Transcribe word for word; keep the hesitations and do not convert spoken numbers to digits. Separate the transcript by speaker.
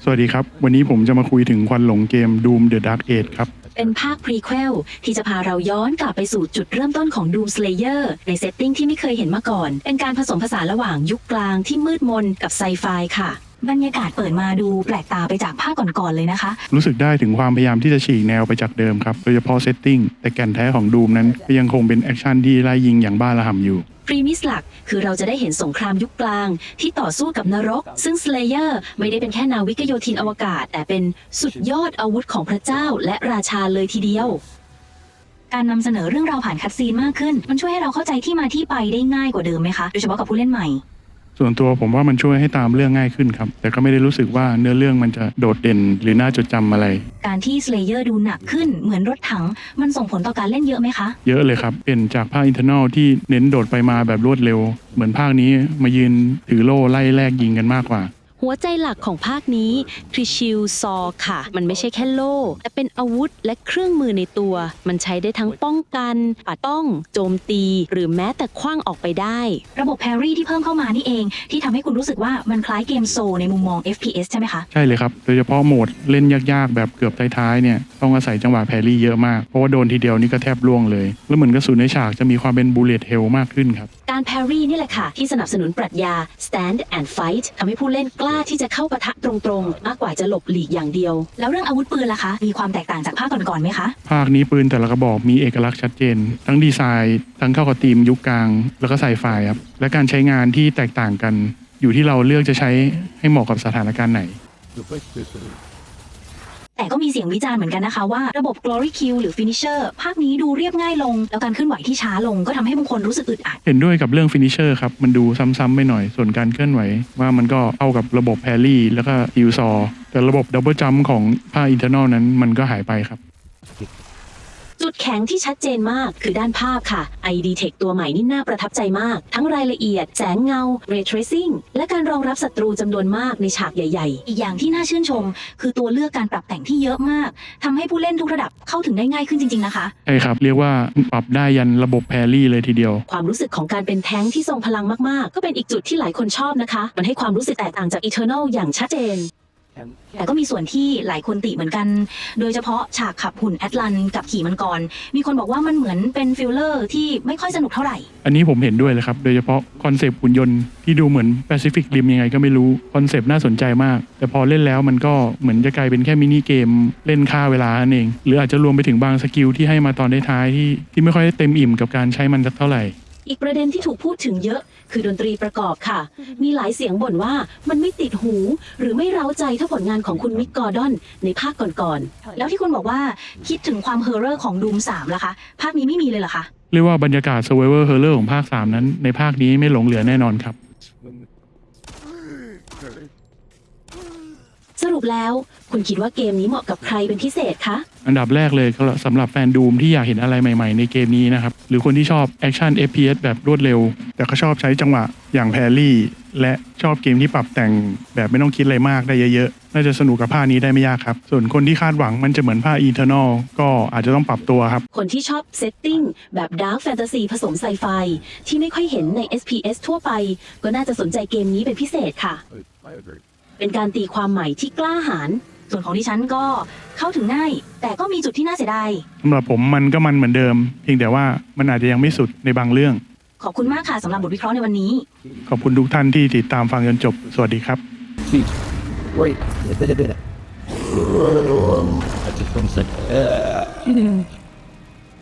Speaker 1: สวัสดีครับวันนี้ผมจะมาคุยถึงควันหลงเกม Doom The Dark Age ครับ
Speaker 2: เป็นภาคพรีเควลที่จะพาเราย้อนกลับไปสู่จุดเริ่มต้นของ Doom Slayer ในเซตติ้งที่ไม่เคยเห็นมาก่อนเป็นการผสมผสานระหว่างยุคกลางที่มืดมนกับไซไฟค่ะบรรยากาศเปิดมาดูแปลกตาไปจากภาคก่อนๆเลยนะคะ
Speaker 1: รู้สึกได้ถึงความพยายามที่จะฉีกแนวไปจากเดิมครับโดยเฉพาะเซตติ้งแต่แก่นแท้ของ Doom นั้นก็ยังคงเป็นแอคชั่นที่ไล่ยิงอย่างบ้าระห่ำอยู่
Speaker 2: พรีมิสหลักคือเราจะได้เห็นสงครามยุคกลางที่ต่อสู้กับนรกซึ่ง Slayer ไม่ได้เป็นแค่นาวิกโยธินอวกาศแต่เป็นสุดยอดอาวุธของพระเจ้าและราชาเลยทีเดียวการนำเสนอเรื่องราวผ่านคัตซีนมากขึ้นมันช่วยให้เราเข้าใจที่มาที่ไปได้ง่ายกว่าเดิมไหมคะโดยเฉพาะกับผู้เล่นใหม่
Speaker 1: ส่วนตัวผมว่ามันช่วยให้ตามเรื่องง่ายขึ้นครับแต่ก็ไม่ได้รู้สึกว่าเนื้อเรื่องมันจะโดดเด่นหรือน่าจดจำอะไร
Speaker 2: การที่ Slayer ดูหนักขึ้นเหมือนรถถังมันส่งผลต่อการเล่นเยอะไหมคะ
Speaker 1: เยอะเลยครับเป็นจากภาค Internal ที่เน้นโดดไปมาแบบรวดเร็วเหมือนภาคนี้มายืนถือโล่ไล่แลกยิงกันมากกว่า
Speaker 3: หัวใจหลักของภาคนี้คือชิลซอค่ะมันไม่ใช่แค่โล่แต่เป็นอาวุธและเครื่องมือในตัวมันใช้ได้ทั้งป้องกันปัดป้องโจมตีหรือแม้แต่ขว้างออกไปได้
Speaker 2: ระบบแพรรี่ที่เพิ่มเข้ามานี่เองที่ทำให้คุณรู้สึกว่ามันคล้ายเกมโซในมุมมอง เอฟ พี เอส ใช่ไหมคะ
Speaker 1: ใช่เลยครับโดยเฉพาะโหมดเล่นยากๆแบบเกือบท้ายๆเนี่ยต้องอาศัยจังหวะแพรรี่เยอะมากเพราะว่าโดนทีเดียวนี่ก็แทบล่วงเลยแล้วเหมือนกระสุนในฉากจะมีความเป็นบูเลตเฮลมากขึ้นครับ
Speaker 2: การแพรรี่นี่แหละค่ะที่สนับสนุนปรัชญา stand and fight ทำให้ผู้เล่นกล้าที่จะเข้าปะทะตรงๆมากกว่าจะหลบหลีกอย่างเดียวแล้วเรื่องอาวุธปืนล่ะคะมีความแตกต่างจากภาคก่อนๆไหมคะ
Speaker 1: ภาคนี้ปืนแต่ละกระบอกมีเอกลักษณ์ชัดเจนทั้งดีไซน์ทั้งเข้ากับธีมยุคกลางแล้วก็ไซไฟครับและการใช้งานที่แตกต่างกันอยู่ที่เราเลือกจะใช้ให้เหมาะกับสถานการณ์ไหน
Speaker 2: แต่ก็มีเสียงวิจารณ์เหมือนกันนะคะว่าระบบ Glory Kill หรือ Finisher ภาคนี้ดูเรียบง่ายลงแล้วการเคลื่อนไหวที่ช้าลงก็ทำให้บางคนรู้สึกอึดอัด
Speaker 1: เห็นด้วยกับเรื่อง Finisher ครับมันดูซ้ำๆไปหน่อยส่วนการเคลื่อนไหวว่ามันก็เข้ากับระบบแพรรี่แล้วก็ฮิลซอแต่ระบบ Double Jump ของภาค Internal นั้นมันก็หายไปครับ
Speaker 2: จุดแข็งที่ชัดเจนมากคือด้านภาพค่ะ ไอ ดี Tech ตัวใหม่นี่น่าประทับใจมากทั้งรายละเอียดแสงเงา Ray Tracing และการรองรับศัตรูจำนวนมากในฉากใหญ่ๆอีกอย่างที่น่าชื่นชมคือตัวเลือกการปรับแต่งที่เยอะมากทำให้ผู้เล่นทุกระดับเข้าถึงได้ง่ายขึ้นจริงๆนะคะ
Speaker 1: ใช่ครับเรียกว่าปรับได้ยันระบบแพรรี่เลยทีเดียว
Speaker 2: ความรู้สึกของการเป็นแท้งที่ทรงพลังมากๆก็เป็นอีกจุดที่หลายคนชอบนะคะมันให้ความรู้สึกแตกต่างจาก Eternal อย่างชัดเจนแต่ก็มีส่วนที่หลายคนติเหมือนกันโดยเฉพาะฉากขับหุ่นแอตลันกับขี่มังกรมีคนบอกว่ามันเหมือนเป็นฟิลเลอร์ที่ไม่ค่อยสนุกเท่าไหร่
Speaker 1: อันนี้ผมเห็นด้วยเลยครับโดยเฉพาะคอนเซปต์หุ่นยนต์ที่ดูเหมือนแปซิฟิกริมยังไงก็ไม่รู้คอนเซปต์น่าสนใจมากแต่พอเล่นแล้วมันก็เหมือนจะกลายเป็นแค่มินิเกมเล่นฆ่าเวลานั่นเองหรืออาจจะรวมไปถึงบางสกิลที่ให้มาตอนท้ายๆที่ที่ไม่ค่อยเต็มอิ่มกับการใช้มันสักเท่าไหร่
Speaker 2: อีกประเด็นที่ถูกพูดถึงเยอะคือดนตรีประกอบค่ะมีหลายเสียงบ่นว่ามันไม่ติดหูหรือไม่เร้าใจเท่าผลงานของคุณมิกกอร์ดอนในภาคก่อนๆแล้วที่คุณบอกว่าคิดถึงความเฮอร์เรอร์ของดูมสามล่ะคะภาคนี้ไม่มีเลยเหรอคะ
Speaker 1: เรียกว่าบรรยากาศ Survivor Horror ของภาคสามนั้นในภาคนี้ไม่หลงเหลือแน่นอนครับ
Speaker 2: สรุปแล้วคุณคิดว่าเกมนี้เหมาะกับใครเป็นพิเศษคะ
Speaker 1: อันดับแรกเลยสำหรับแฟนดูมที่อยากเห็นอะไรใหม่ๆในเกมนี้นะครับหรือคนที่ชอบแอคชั่น เอฟ พี เอส แบบรวดเร็วแต่ก็ชอบใช้จังหวะอย่างแพรรี่และชอบเกมที่ปรับแต่งแบบไม่ต้องคิดอะไรมากได้เยอะๆน่าจะสนุกกับภาคนี้ได้ไม่ยากครับส่วนคนที่คาดหวังมันจะเหมือนภาค Eternal ก็อาจจะต้องปรับตัวครับ
Speaker 2: คนที่ชอบเซตติ้งแบบดาร์กแฟนตาซีผสมไซไฟที่ไม่ค่อยเห็นใน เอส พี เอส ทั่วไปก็น่าจะสนใจเกมนี้เป็นพิเศษค่ะเป็นการตีความใหม่ที่กล้าหาญส่วนของดิฉันก็เข้าถึงง่ายแต่ก็มีจุดที่น่าเสียดาย
Speaker 1: สำหรับผมมันก็มันเหมือนเดิมเพียงแต่ว่ามันอาจจะยังไม่สุดในบางเรื่อง
Speaker 2: ขอบคุณมากค่ะสำหรับบทวิเคราะห์ในวันนี้
Speaker 1: ขอบคุณทุกท่านที่ติดตามฟังจนจบสวัสดีครับ
Speaker 4: Wait, I just want to say.